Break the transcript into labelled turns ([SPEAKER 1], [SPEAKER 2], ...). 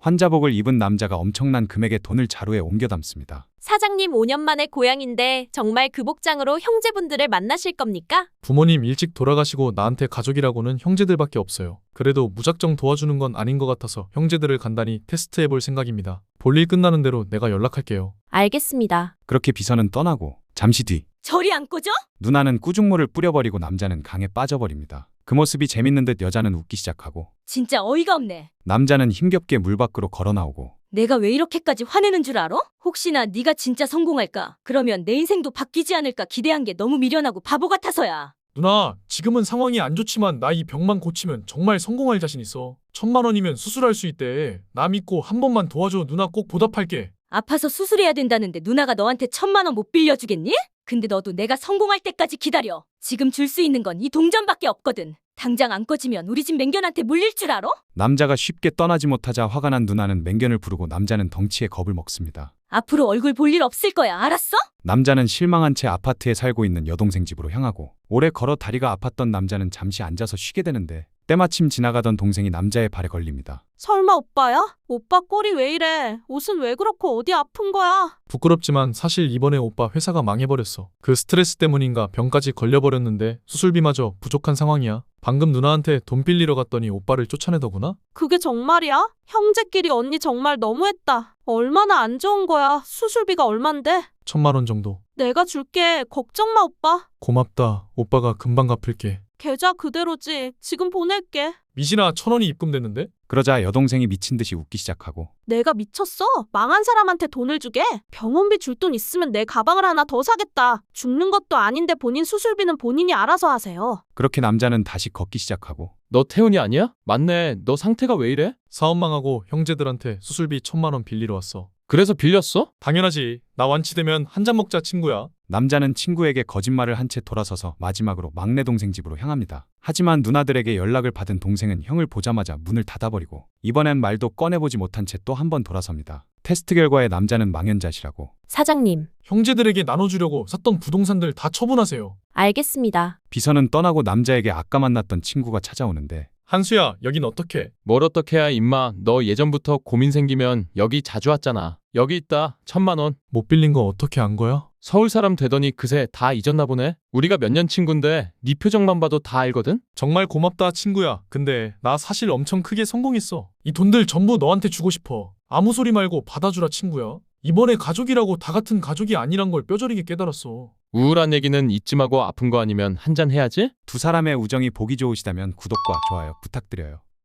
[SPEAKER 1] 환자복을 입은 남자가 엄청난 금액의 돈을 자루에 옮겨 담습니다.
[SPEAKER 2] 사장님 5년 만에 고향인데 정말 그 복장으로 형제분들을 만나실 겁니까?
[SPEAKER 3] 부모님 일찍 돌아가시고 나한테 가족이라고는 형제들밖에 없어요. 그래도 무작정 도와주는 건 아닌 것 같아서 형제들을 간단히 테스트해볼 생각입니다. 볼일 끝나는 대로 내가 연락할게요.
[SPEAKER 2] 알겠습니다.
[SPEAKER 1] 그렇게 비서는 떠나고 잠시 뒤
[SPEAKER 4] 저리 안 꺼져?
[SPEAKER 1] 누나는 꾸중물을 뿌려버리고 남자는 강에 빠져버립니다. 그 모습이 재밌는 듯 여자는 웃기 시작하고
[SPEAKER 4] 진짜 어이가 없네.
[SPEAKER 1] 남자는 힘겹게 물 밖으로 걸어 나오고
[SPEAKER 4] 내가 왜 이렇게까지 화내는 줄 알아? 혹시나 네가 진짜 성공할까? 그러면 내 인생도 바뀌지 않을까 기대한 게 너무 미련하고 바보 같아서야.
[SPEAKER 3] 누나, 지금은 상황이 안 좋지만 나 이 병만 고치면 정말 성공할 자신 있어. 1,000만 원이면 수술할 수 있대. 나 믿고 한 번만 도와줘. 누나 꼭 보답할게.
[SPEAKER 4] 아파서 수술해야 된다는데 누나가 너한테 1,000만 원 못 빌려주겠니? 근데 너도 내가 성공할 때까지 기다려. 지금 줄 수 있는 건 이 동전밖에 없거든. 당장 안 꺼지면 우리 집 맹견한테 물릴 줄 알아?
[SPEAKER 1] 남자가 쉽게 떠나지 못하자 화가 난 누나는 맹견을 부르고 남자는 덩치에 겁을 먹습니다.
[SPEAKER 4] 앞으로 얼굴 볼 일 없을 거야. 알았어?
[SPEAKER 1] 남자는 실망한 채 아파트에 살고 있는 여동생 집으로 향하고 오래 걸어 다리가 아팠던 남자는 잠시 앉아서 쉬게 되는데 때마침 지나가던 동생이 남자의 발에 걸립니다.
[SPEAKER 5] 설마 오빠야? 오빠 꼴이 왜 이래? 옷은 왜 그렇고 어디 아픈 거야?
[SPEAKER 3] 부끄럽지만 사실 이번에 오빠 회사가 망해버렸어. 그 스트레스 때문인가 병까지 걸려버렸는데 수술비마저 부족한 상황이야. 방금 누나한테 돈 빌리러 갔더니 오빠를 쫓아내더구나?
[SPEAKER 5] 그게 정말이야? 형제끼리 언니 정말 너무했다. 얼마나 안 좋은 거야? 수술비가 얼만데?
[SPEAKER 3] 1,000만 원 정도.
[SPEAKER 5] 내가 줄게. 걱정 마 오빠.
[SPEAKER 3] 고맙다. 오빠가 금방 갚을게.
[SPEAKER 5] 계좌 그대로지. 지금 보낼게.
[SPEAKER 3] 미신아, 1,000원이 입금됐는데?
[SPEAKER 1] 그러자 여동생이 미친 듯이 웃기 시작하고
[SPEAKER 5] 내가 미쳤어? 망한 사람한테 돈을 주게? 병원비 줄 돈 있으면 내 가방을 하나 더 사겠다. 죽는 것도 아닌데 본인 수술비는 본인이 알아서 하세요.
[SPEAKER 1] 그렇게 남자는 다시 걷기 시작하고
[SPEAKER 6] 너 태훈이 아니야? 맞네. 너 상태가 왜 이래?
[SPEAKER 3] 사업 망하고 형제들한테 수술비 1,000만 원 빌리러 왔어.
[SPEAKER 6] 그래서 빌렸어?
[SPEAKER 3] 당연하지. 나 완치되면 한 잔 먹자, 친구야.
[SPEAKER 1] 남자는 친구에게 거짓말을 한 채 돌아서서 마지막으로 막내 동생 집으로 향합니다. 하지만 누나들에게 연락을 받은 동생은 형을 보자마자 문을 닫아버리고 이번엔 말도 꺼내보지 못한 채 또 한 번 돌아섭니다. 테스트 결과에 남자는 망연자실하고
[SPEAKER 2] 사장님,
[SPEAKER 3] 형제들에게 나눠주려고 샀던 부동산들 다 처분하세요.
[SPEAKER 2] 알겠습니다.
[SPEAKER 1] 비서는 떠나고 남자에게 아까 만났던 친구가 찾아오는데
[SPEAKER 3] 한수야, 여긴 어떻게?
[SPEAKER 6] 뭘 어떻게 해야 임마. 너 예전부터 고민 생기면 여기 자주 왔잖아. 여기 있다. 1,000만 원.
[SPEAKER 3] 못 빌린 거 어떻게 안 거야?
[SPEAKER 6] 서울 사람 되더니 그새 다 잊었나 보네. 우리가 몇 년 친군데 네 표정만 봐도 다 알거든.
[SPEAKER 3] 정말 고맙다, 친구야. 근데 나 사실 엄청 크게 성공했어. 이 돈들 전부 너한테 주고 싶어. 아무 소리 말고 받아주라, 친구야. 이번에 가족이라고 다 같은 가족이 아니란 걸 뼈저리게 깨달았어.
[SPEAKER 6] 우울한 얘기는 잊지 마고 아픈 거 아니면 한 잔 해야지.
[SPEAKER 1] 두 사람의 우정이 보기 좋으시다면 구독과 좋아요 부탁드려요.